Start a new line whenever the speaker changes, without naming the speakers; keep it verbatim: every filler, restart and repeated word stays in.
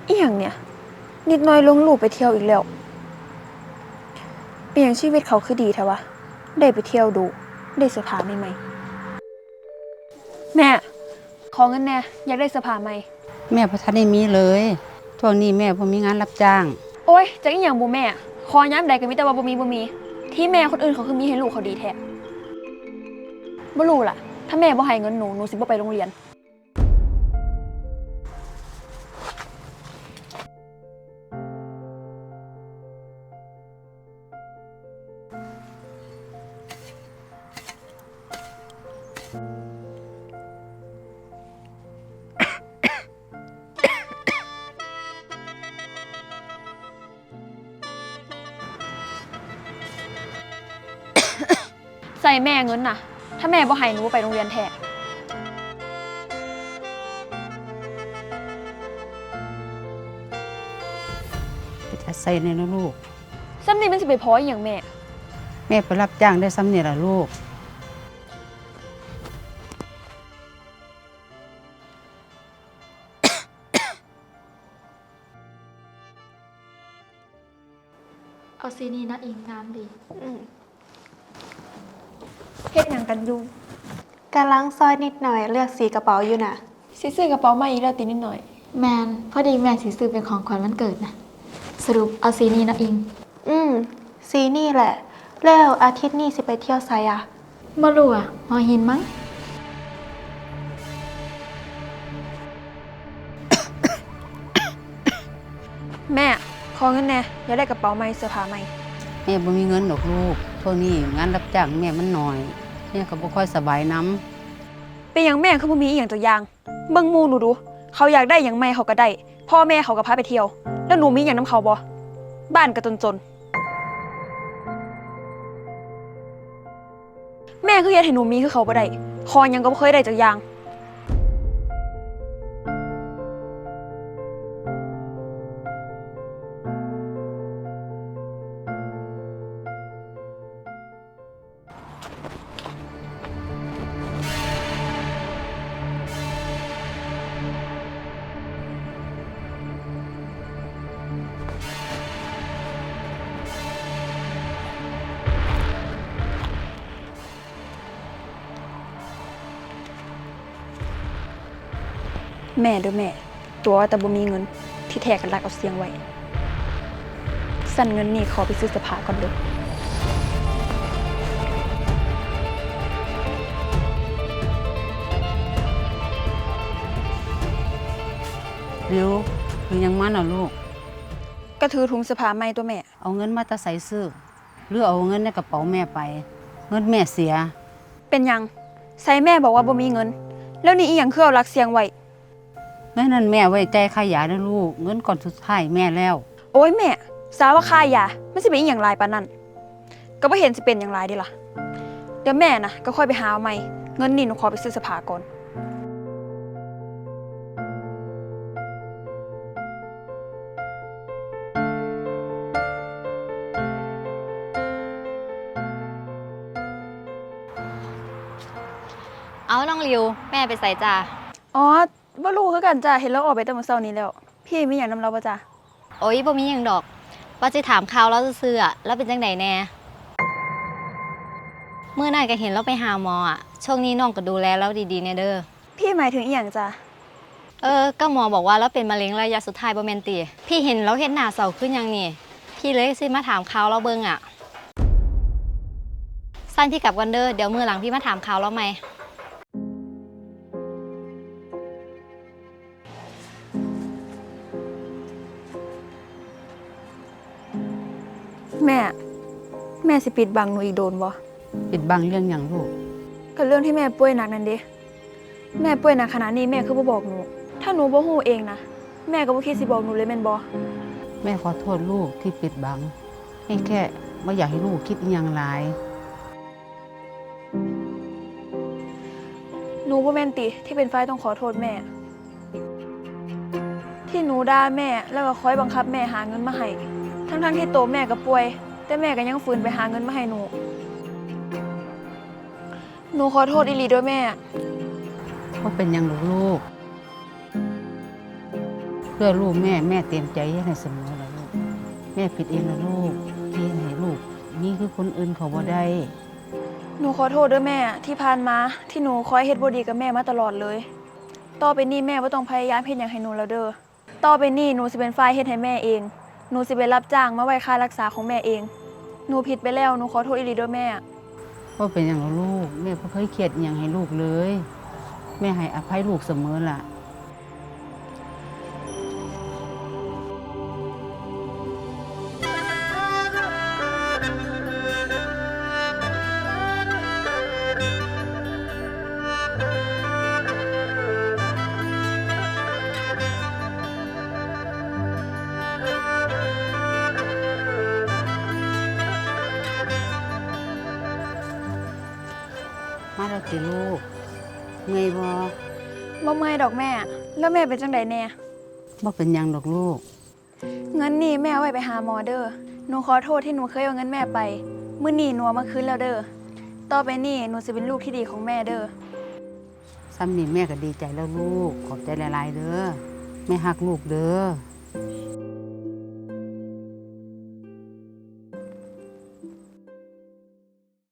อีหยังเนี่ยนิดหน่อยลงรูปไปเที่ยวอีกแล้วเป็นอย่างชีวิตเขาคือดีแท้วะได้ไปเที่ยวดูได้เสื้อผ้าใหม่ๆแม่ขอเงินแน่อยากได้เสื้อผ้าใหม่
แม่บ่ทันได้มีเลยช่วงนี้แม่บ่มีงานรับจ้าง
โอ้ยจักอีหยังบ่แม่ขอย้ำใดก็มีแต่ว่าบ่มีบ่มีที่แม่คนอื่นเขาคือมีให้ลูกเขาดีแท้บ่รู้ล่ะถ้าแม่บ่ให้เงินหนูหนูสิบ่ไปโรงเรียนใส่แม่เงินน่ะถ้าแม่บ่ให้หนูไปโรงเรียนแท้
ไปจะใส่ในนะลูก
ซ้ำนี่มันสิไปพออีหยังแม่
แม่ไปรับจ้างได้ซ้ำนี่ล่ะลูก
เอาซีนี้นะอิงงามดี
เฮ็ดหยังกันอยู่
กำลังซอยนิดหน่อยเลือกสีกระเป๋าอยู่น่ะ
สิซื้อกระเป๋าใหม่อีกแล้วตินิดหน่อย
แมนพอดีแมนสิซื้อเป็นของขวัญวันเกิดนะสรุปเอาซีนี้นะอิง
อืมสีนี่แหละแล้วอาทิตย์นี้สิไปเที่ยวไสอะ
บ่รู้อะหอหินมั้ง
แม่ขอเงินแน่อยากได้กระเป๋าใหม่เสื้อผ้าใหม่
แม่บ่มีเงินดอกลูกช่วงนี้งานรับจ้างแม่มันน้อยแม่ก็บ่ค่อยสบายนำ
เป็นหยังแม่คือบ่มีอีหยังตัวอย่างเบิ่งหมู่หนูดูเขาอยากได้หยังใหม่เขาก็ได้พ่อแม่เขาก็พาไปเที่ยวแล้วหนูมีหยังนำเขาบ่บ้านก็จนๆแม่คือเฮ็ดให้หนูมีคือเขาบ่ได้ขอหยังก็บ่เคยได้จักอย่างแม่เด้อแม่ตัวแต่บ่มีเงินที่แท้กันรักเอาเสียงไว้สั่นเงินนี่ขอไปซื้อเสื้อผ้าก่อนเด้อ
เร็วคือยังมันน่ะลูก
ก็ถือถุงเสื้อผ้าใหม่ตัวแม่
เอาเงินมาแต่ใส่ซื้อหรือเอาเงินในกระเป๋าแม่ไปเงินแม่เสีย
เป็นหยังใส่แม่บอกว่าบ่มีเงินแล้วนี่อีหยังคือเอารักเสียงไว้
เงินนั้นแม่ไว้จ่ายค่ายาเด้อลูกเงินก่อนสุดท้ายแม่แล้ว
โอ้ยแม่สาวว่าค่ายามันสิเป็นอีหยังหลายปานนั้นก็บ่เห็นสิเป็นหยังหลายดิล่ะเดี๋ยวแม่น่ะก็ค่อยไปหาเอาใหม่เงินนี่หนูขอไปซื้อเสื้อผ้าก่อน
เอาน้องริวแม่ไปใส่จ้า
อ๋อบ่รู้คือกันจ้ะเห็นแล้วออกไปแต่มื้อเช้านี้แล้วพี่มีหยังนำเราบ่จ้ะ
โอ้ยบ่มีหยังดอกว่าสิถามข่าวแล้วซื่อๆอ่ะแล้วเป็นจังไดแน่เมื่อนั้นก็เห็นเราไปหาหมออ่ะช่วงนี้น้องก็ดูแลแล้วดีๆแน่เด้อ
พี่หมายถึงอีหยังจ้ะ
เออก็หมอบอกว่าเราเป็นมะเร็งระยะสุดท้ายบ่แม่นติพี่เห็นเราเฮ็ดหน้าเศร้าขึ้นหยังนี่พี่เลยสิมาถามข่าวเราเบิ่งอ่ะสั้นพี่กลับกันเด้อเดี๋ยวมื้อหลังพี่มาถามข่าวเราใหม่
แม่แม่สิปิดบังหนูอีกโดนบ่
ปิดบังเรื่องหยังลูก
ก็เรื่องที่แม่ป่วยหนักนั่นเด้แม่ป่วยหนักขนาดนี้แม่คือบ่บอกหนูถ้าหนูบ่ฮู้เองนะแม่ก็บ่คิดสิบอกหนูเลยแม่นบ่
แม่ขอโทษลูกที่ปิดบังให้แค่ไม่อยากให้ลูกคิดอีหยังหลาย
หนูบ่แม่นติที่เป็นฝ่ายต้องขอโทษแม่ที่หนูด่าแม่แล้วก็คอยบังคับแม่หาเงินมาให้ทั้งๆที่โตแม่ก็ป่วยแต่แม่ก็ยังฝืนไปหาเงินมาให้หนูหนูขอโทษอีหลีด้วยแม่
ว่าเป็นยังลูกลูกคพื่อลูกแม่แม่เต็มใจให้เสมอแล้วลูกแม่ผิดเองนะลูกที่ให้ลูกนี่คือคนอื่นเขาบ่ได้
หนูขอโทษด้วยแม่ที่ผ่านมาที่หนูคอยเฮ็ดบ่ดีกับแม่มาตลอดเลย ต่อไปนี้แม่บ่ต้องพยายามเฮ็ดหยังให้หนูแล้วเด้อต่อไปนี้หนูสิเป็นฝ่ายเฮ็ดให้แม่เองหนูสิไปรับจ้างมาไว้ค่ารักษาของแม่เองหนูผิดไปแล้วหนูขอโทษอีหลีเด้อแม่
ว่าเป็นอย่างเราลูกแม่บ่เคยเครียดอหย่างให้ลูกเลย แม่ให้อภัยลูกเสมอล่ะ มาแล้วติลูกเงยบ่
บ่เมื่อยดอกแม่ แล้วแม่เป็นจังไดแน่
บ่เป็นหยังดอกลูก
เงินนี่แม่เอาไว้ไปหาหมอเด้อหนูขอโทษที่หนูเคยเอาเงินแม่ไปมื้อนี้หนูเอามาคืนแล้วเด้อต่อไปนี้หนูสิเป็นลูกที่ดีของแม่เด้อ
ซ้ำนี่แม่ก็ดีใจแล้วลูก ขอบใจหลายๆเด้อ แม่ฮักลูกเด้อ